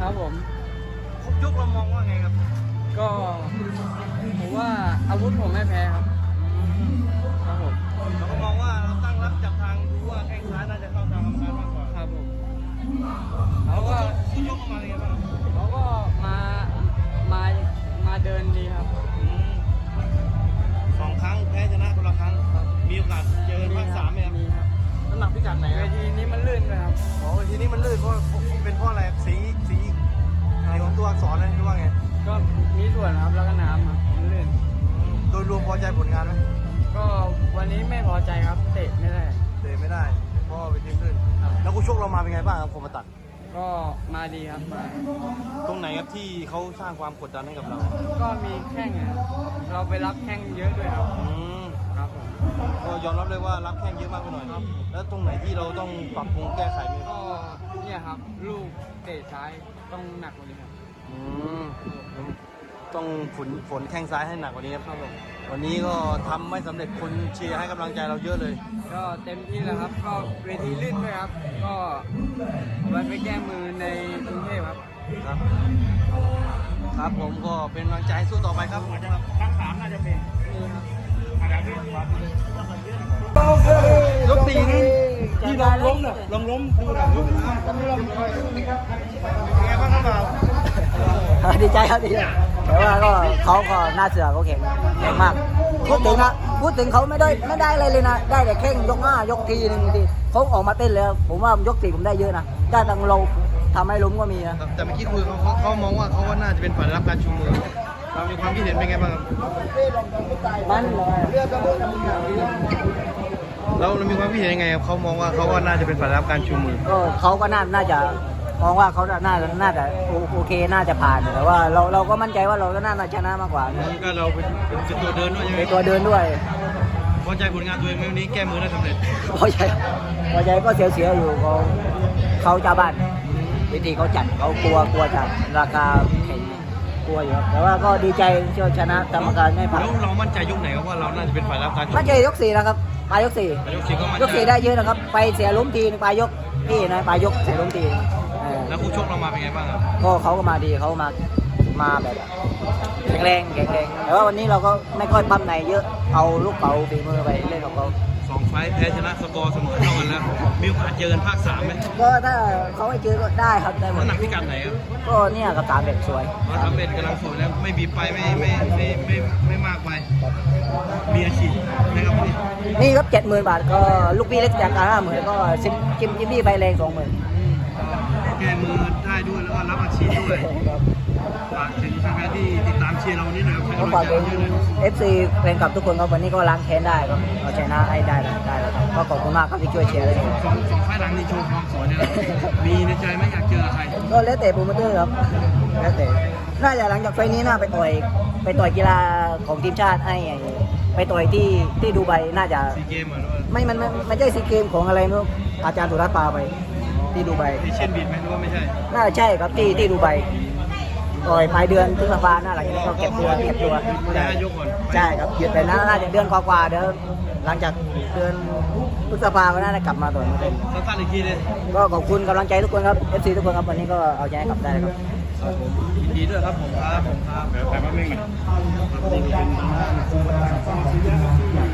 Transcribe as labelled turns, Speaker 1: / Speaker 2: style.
Speaker 1: ครับผม
Speaker 2: ครบยกเรามองว่าไงครับ
Speaker 1: ก็ผมว่าอาวุธผมไม่แพ้ครับครับผม
Speaker 2: เราก็มองว่าเราตั้งรับจับทางดูว่าแข้งซ้ายน่าจะเข้าทางกรรมการมากกว่า
Speaker 1: ครับผม
Speaker 2: เขาก็ยกมาเลยครับ
Speaker 1: เขาก็มามาเดินดีครับ
Speaker 2: 2 ครั้งแพ้ชนะคนละครั้งมีโอกาสเจอภาค3ไหมครับ
Speaker 1: มีครับ
Speaker 2: น้ำหนักพิกัดไหน
Speaker 1: เวทีนี้มันลื่นไปครับ
Speaker 2: อ๋อเวทีนี้มันลื่นเพราะเป็นเพราะอะไรสีของตัวอักษรนะหรือว่าไง
Speaker 1: ก็มีส่วนครับแล้วก็น้ำครับมันลื่น
Speaker 2: โดยรวมพอใจผลงานไหม
Speaker 1: ก็วันนี้ไม่พอใจครับเตะไม่ได้
Speaker 2: เพราะเวทีลื่นแล้วคู่ชกเรามาเป็นไงบ้างครับคมตัด
Speaker 1: ก็มาดีครับมา
Speaker 2: ตรงไหนครับที่เขาสร้างความกดดันให้กับเรา
Speaker 1: ก็มีแข้งเราไปรับแข้งเยอะด้วยครับครับผม
Speaker 2: ก็ยอมรับเลยว่ารับแข้งเยอะมากไปหน่อยครับแล้วตรงไหนที่เราต้องปรับปรุงแก้ไขไหม
Speaker 1: ก็เนี่ยครับลูกเตะซ้ายต้องหนักกว่านี้ครับ
Speaker 2: ต้องฝนแข้งซ้ายให้หนักกว่านี้ครับวันนี้ก็ทำไม่สำเร็จคนเชียร์ให้กำลังใจเราเยอะเลย
Speaker 1: ก็เต็มที่แล้วครับก็เวทีลื่นด้วยครับก็วันไปแก้มือในกรุงเทพ
Speaker 2: ครับผมก็เป็นกำลังใจสู้ต่อไปครับภาค3น่าจะเป็น
Speaker 1: นี่ครับ
Speaker 2: ยก4นี่ที่ลองล้มน่ะลองล้มดูหน่อยเป็นไงบ้างครับเรา
Speaker 3: ดีใจครับดีใจแต่ว่าก็เขาก็หน้าเสือเขาแข็งมากพูดถึงเขาไม่ได้อะไรเลยนะได้แต่แข้งยก5 ยกทีนึงทีเขาออกมาเต้นเลยผมว่ายก4ผมได้เยอะนะได้ตั้งเราทำให้ล้มก็มีนะ
Speaker 2: แต่เมื่อกี้คุยเขามองว่าเขาน่าจะเป็นฝ่ายรับการชูมือเรามีความคิดเห็นเป็นไงบ้างครับ
Speaker 3: มัน
Speaker 2: เรามีความคิดเห็นยังไงครับเขามองว่าเขาน่าจะเป็นฝ่ายรับการชูมือ
Speaker 3: ก็เขาก็น่าจะมองว่าเขาน่าจะโอเคน่าจะผ่านแต่ว่าเราก็มั่นใจว่าเราก็น่าจะชนะมากกว่า
Speaker 2: ก็เราเป็นตัวเดินด้วย
Speaker 3: เป็นตัวเดินด้วย
Speaker 2: พอใจผลงานตัวเองวันนี้แก้มือได้สำเร็จ
Speaker 3: พอใจก็เสียอยู่เขาเจ้าบ้านวิธีเขาจัดเขากลัวจัดราคาแข่งกลัวอยู่แต่ว่าก็ดีใจที่ชนะกรรมการไม่ผ่าน
Speaker 2: แล้วเรามั่นใจยกไหนครับว่าเราน่าจะเป็นฝ่ายรับการ
Speaker 3: มั่นใจยก4นะครับปลายยก4ได้เยอะนะครับไปเสียล้มทีปลายยกพี่นะปลายยกเสียล้มที
Speaker 2: แล้วคู่ชกเรามาเป็นไงบ้างครับ
Speaker 3: ก็เขาก็มาดีเขามาแบบแข็งแรงแต่ว่าวันนี้เราก็ไม่ค่อยปั้มไหนเยอะเอาลูกเก๋าฝีมือไปเล่นของเขา
Speaker 2: 2 ไฟล์แพ้ชนะสกอร์เสมอเท่ากันแล้วมีโอกาสเจอกันภาค3ไหม
Speaker 3: ก็ถ้าเขาให้เจอก็ได้ครับได้หมด
Speaker 2: หนักพิกัดไหนครับ
Speaker 3: ก็เนี่ยกับ3 เบ็ดสวย
Speaker 2: 3 เบ็ดกำลังสวยแล้วไม่บีบไปไม่มากไปมีอาชีพนะครับ
Speaker 3: นี่ครับ70,000 บาทก็ลูกพี่เล็กจากการ50,000ก็จิมบี้ไฟแรง20,000
Speaker 2: แก้มือได้ด้วยแล้วก็รับอาชีพด้วยฝากถึงแฟนๆที่ติดตามเชียร์เรานี่นะครับ
Speaker 3: ก็ฝากถึง FC แฟนคลับทุกคนครับวันนี้ก็ล้างแค้นได้ครับเอาชนะให้ได้แล้วครับก็ขอบคุณมากครับที่ช่วยเชียร์เลย
Speaker 2: สองไฟล์หลังนี่โชว์ความสวยเนี่ยมีในใจไหมอยากเจอใคร
Speaker 3: ก็แล้วแต่โปรโมเตอร์ครับแล้วแต่น่าจะหลังจากไฟนี้น่าไปต่อยกีฬาของทีมชาติให้ไปต่อยที่ดูไบน่าจะ
Speaker 2: ซีเกมเหรอ
Speaker 3: ไม่ใช่ซีเกมของอะไรนู้นอาจารย์สุรัตน์พาไปที่ดูไบ
Speaker 2: ที่เช่นบิดไหมหรือว่าไม่ใช่
Speaker 3: น่าจะใช่ครับที่ดูไบต่อยปลายเดือนพฤษภาหน้าหลังจากนี้ก็เก็บตัวใช่ครับหยุดไปน่าจะเดือนกว่าเดี๋ยวหลังจากเดือนพฤษภาก็น่าจะกลับมาต่อย
Speaker 2: สั้นๆอีกทีเลย
Speaker 3: ก็ขอบคุณกำลังใจทุกคนครับ FC ทุกคนครับวันนี้ก็เอาใจกลับได้ครับ
Speaker 2: ยินดีด้วยครับผมครับแต่ว่าไม่เหมือน